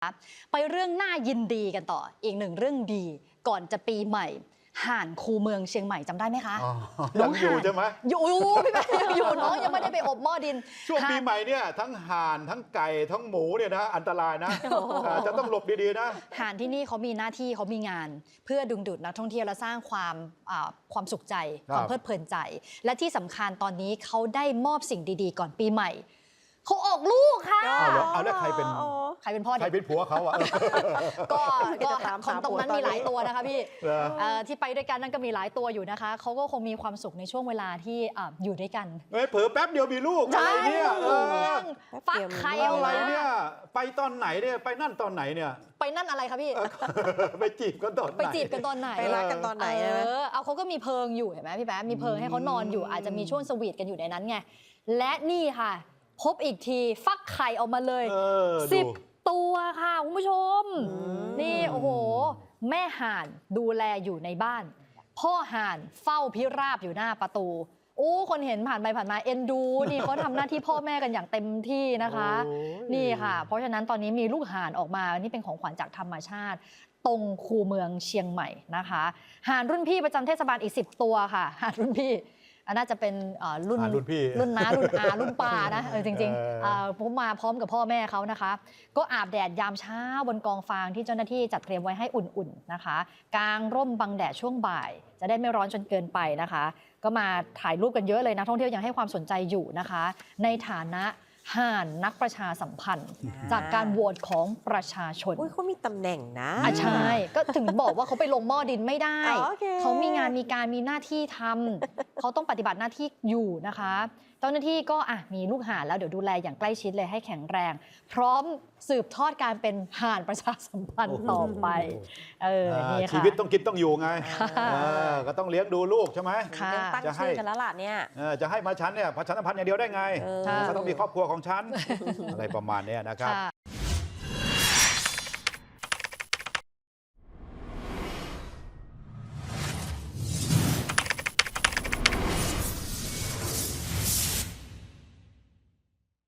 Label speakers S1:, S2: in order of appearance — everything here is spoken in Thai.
S1: ไปเรื่องน่ายินดีกันต่ออีกหนึ่งเรื่องดีก่อนจะปีใหม่ห่านคูเมืองเชียงใหม่จำได้ไหมคะ
S2: ยังอยู่ใช่ไหม
S1: อยู่พี่แป๊ะอยู่น้องยังไม่ได้ไปอบหม้อดิน
S2: ช่วงปีใหม่เนี่ยทั้งห่านทั้งไก่ทั้งหมูเนี่ยนะอันตรายนะจะต้องหลบดีๆนะ
S1: ห่านที่นี่เขามีหน้าที่เขามีงานเพื่อดึงดูดนักท่องเที่ยวและสร้างความสุขใจความเพลิดเพลินใจและที่สำคัญตอนนี้เขาได้มอบสิ่งดีๆก่อนปีใหม่เขาออกลูกค่ะ
S2: เอาแล้วใครเป็น
S1: พ่อ
S2: ใครเป็นผัวเขาอะ
S1: ก็ของตรงนั้นมีหลายตัวนะคะพี่ที่ไปด้วยกันนั่นก็มีหลายตัวอยู่นะคะเขาก็คงมีความสุขในช่วงเวลาที่อยู่ด้วยกัน
S2: เผลอแป๊บเดียวมีลูกอะไรเนี่ย
S1: ฟักไข่
S2: อะไรเนี่ยไปตอนไหนเนี่ยไปนั่นตอนไหนเนี่ย
S1: ไปนั่นอะไรคะพี่
S2: ไปจีบกันตอนไหน
S1: ไปจีบกันตอนไหน
S3: ไปรักกันตอนไหน
S1: เอาเขาก็มีเพิงอยู่เห็นไหมพี่แป๊ะมีเพิงให้เขานอนอยู่อาจจะมีช่วงสวีทกันอยู่ในนั้นไงและนี่ค่ะพบอีกทีฟักไข่ออกมาเลย10 ตัวค่ะคุณผู้ชมนี่โอ้โหแม่ห่านดูแลอยู่ในบ้านพ่อห่านเฝ้าพิราบอยู่หน้าประตูโอ้คนเห็นผ่านไปผ่านมาเอ็นดูนี่เขาทำหน้าที่พ่อแม่กันอย่างเต็มที่นะคะนี่ค่ะเพราะฉะนั้นตอนนี้มีลูกห่านออกมานี่เป็นของขวัญจากธรรมชาติตรงคูเมืองเชียงใหม่นะคะห่านรุ่นพี่ประจำเทศบาลอีก10 ตัวค่ะห่านรุ่นพี่น่าจะเป็นรุ่น
S2: พี่
S1: รุ่นน้ารุ่นอารุ่นป้านะจริงๆผมมาพร้อมกับพ่อแม่เขานะคะก็อาบแดดยามเช้าบนกองฟางที่เจ้าหน้าที่จัดเตรียมไว้ให้อุ่นๆนะคะกางร่มบังแดดช่วงบ่ายจะได้ไม่ร้อนจนเกินไปนะคะก็มาถ่ายรูปกันเยอะเลยนักท่องเที่ยวยังให้ความสนใจอยู่นะคะในฐานะห่านนักประชาสัมพันธ์จากการโหวตของประชาชน
S3: เขามีตำแหน่งนะ
S1: ใช่ก็ถึงบอกว่าเขาไปลงหม้อดินไม่ได้เขามีงานมีการมีหน้าที่ทำเขาต้องปฏิบัติหน้าที่อยู่นะคะเจ้าหน้าที่ก็มีลูกห่านแล้วเดี๋ยวดูแลอย่างใกล้ชิดเลยให้แข็งแรงพร้อมสืบทอดการเป็นห่านประชาสัมพันธ์ต่อไปนี่ค่ะ
S2: ชีวิตต้องกินต้องอยู่ไงก็ต้องเลี้ยงดูลูกใช่ไหม
S3: ตั้งชื่อกันแล้วล่ะเนี่ย
S2: จะให้มาฉันเนี่ยประชาสัมพันธ์อย่างเดียวได้ไงก็ต้องมีครอบครัวของฉันอะไรประมาณนี้นะครับ